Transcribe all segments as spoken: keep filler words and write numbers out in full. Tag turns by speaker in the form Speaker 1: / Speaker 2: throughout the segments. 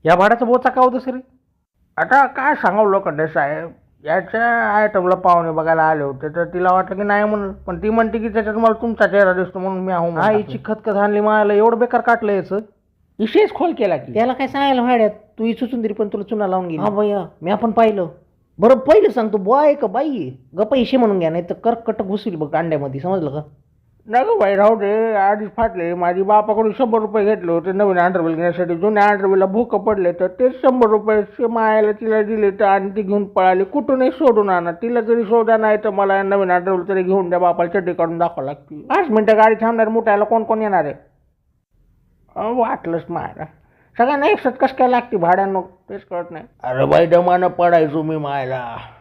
Speaker 1: या भाड्याचा बोचा का होतं सर? आता काय सांगावं लोखंडे साहेब, याच्या आयटमला पाहुणे बघायला आले होते तर तिला वाटलं की नाही म्हणून, पण ती म्हणते की त्याच्यात मला तुमचा चेहरा दिसतो म्हणून मी आहो. आईची खतखत आणली मला, एवढं बेकार काटलं याचं. विशेष खोल केला की
Speaker 2: त्याला काय सांगायला भाड्यात, तू इचू सुंदरी पण तुला चुना लावून गेली. हा भैया मी आपण पाहिलं. बरं पहिलं सांगतो बॉय आहे का बाई आहे? ग पैसे म्हणून घ्या, नाही तर कर्कट घुसली बघ अंड्यामध्ये, समजलं का?
Speaker 1: नको भाई राहू दे, आधीच फाटले. माझी बापाकडून शंभर रुपये घेतले होते नवीन अंडरवेल घेण्यासाठी. जुन्या अंडरवेलला भूक पडले तर ते शंभर रुपये मायाला तिला दिले तर आणि ती घेऊन पळाली. कुठूनही सोडून आणा, तिला जरी शोधा नाही तर मला नवीन अंडरवेल तरी घेऊन द्या. बापाला चड्डी काढून दाखवा लागते. पाच मिनटं गाडी थांबणार, मुठायला कोण कोण येणार आहे? अं, वाटलंच मायला सगळ्यांना एक सत्कस काय लागते भाड्यानं, तेच कळत नाही. अरे बाई दमानं पडायचो मी मायला.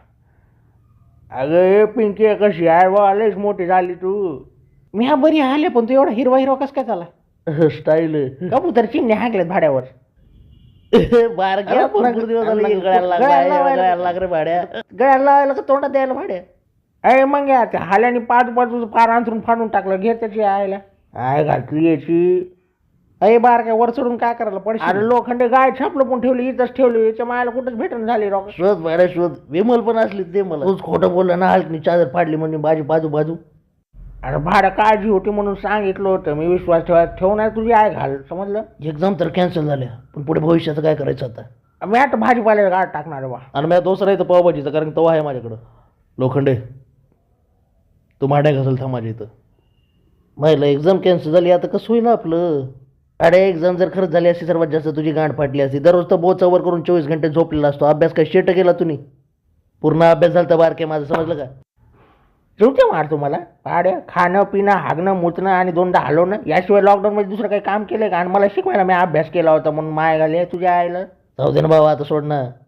Speaker 1: अगं हे पिंकी कशी आहे बा, लईच मोठी झाली तू.
Speaker 2: मी हा बरी आले, पण तू एवढा हिरवा हिरवा कस काय झाला?
Speaker 1: स्टाईल
Speaker 2: कबूतर चिमणे हाकलेत भाड्यावर.
Speaker 1: बारक्या
Speaker 2: भरपूर दिवस झाले की गळ्याला लागला, गळ्याला लाग रे भाड्या. गळ्याला लावायला का तोंडात द्यायला भाड्या?
Speaker 1: अरे मग या त्या हाल्याने पाच बाजूचं पार अंथरून फाडून टाकलं. घे त्याची आयला आय घातली याची.
Speaker 2: अरे बार काय वर चढून काय करायला पडशील?
Speaker 1: अरे लोखंडे गाय छापलं पण ठेवली, इथंच ठेवली. याच्या मायाला कुठंच भेटून झाली रॉक.
Speaker 2: शोध भाड्या शोध, विमल पण असली ते मला. तूच खोटं बोलला ना, हलकनी चादर फाडली म्हणून माझी बाजू बाजू.
Speaker 1: अरे भाडं काळजी होती म्हणून सांगितलं होतं मी. विश्वास ठेवा ठेवणार तुझी आय घाल, समजलं?
Speaker 2: एक्झाम तर कॅन्सल झाल्या, पण पुढे भविष्याचं काय करायचं आता?
Speaker 1: मी आता भाजीपाल्याला गाड टाकणार बा.
Speaker 2: आणि मी दुसरा इथं पावभाजीचं, कारण तवा आहे माझ्याकडं. लोखंडे तू माड्या घासल था माझ्या इथं. महिला एक्झाम कॅन्सल झाली, आता कसं होईल आपलं? अरे एक्झाम जर खरंच झाली असती सर्वात जास्त तुझी गांड फाटली असती. दररोज तर बोचावर करून चोवीस घंटे झोपलेला असतो. अभ्यास काय शेट केला तुम्ही? पूर्ण अभ्यास झाला तर बारके माझं, समजलं का?
Speaker 1: जेवते मार तुम्हाला भाड्या. खाणं पिणं हागणं मुतणं आणि दोनदा हलवणं, याशिवाय लॉकडाऊनमध्ये दुसरं काही काम केलं का? आणि मला शिकवायला मी अभ्यास केला होता म्हणून माय घाले तुझ्या आईला.
Speaker 2: जाऊ दे ना बाबा, आता सोड ना.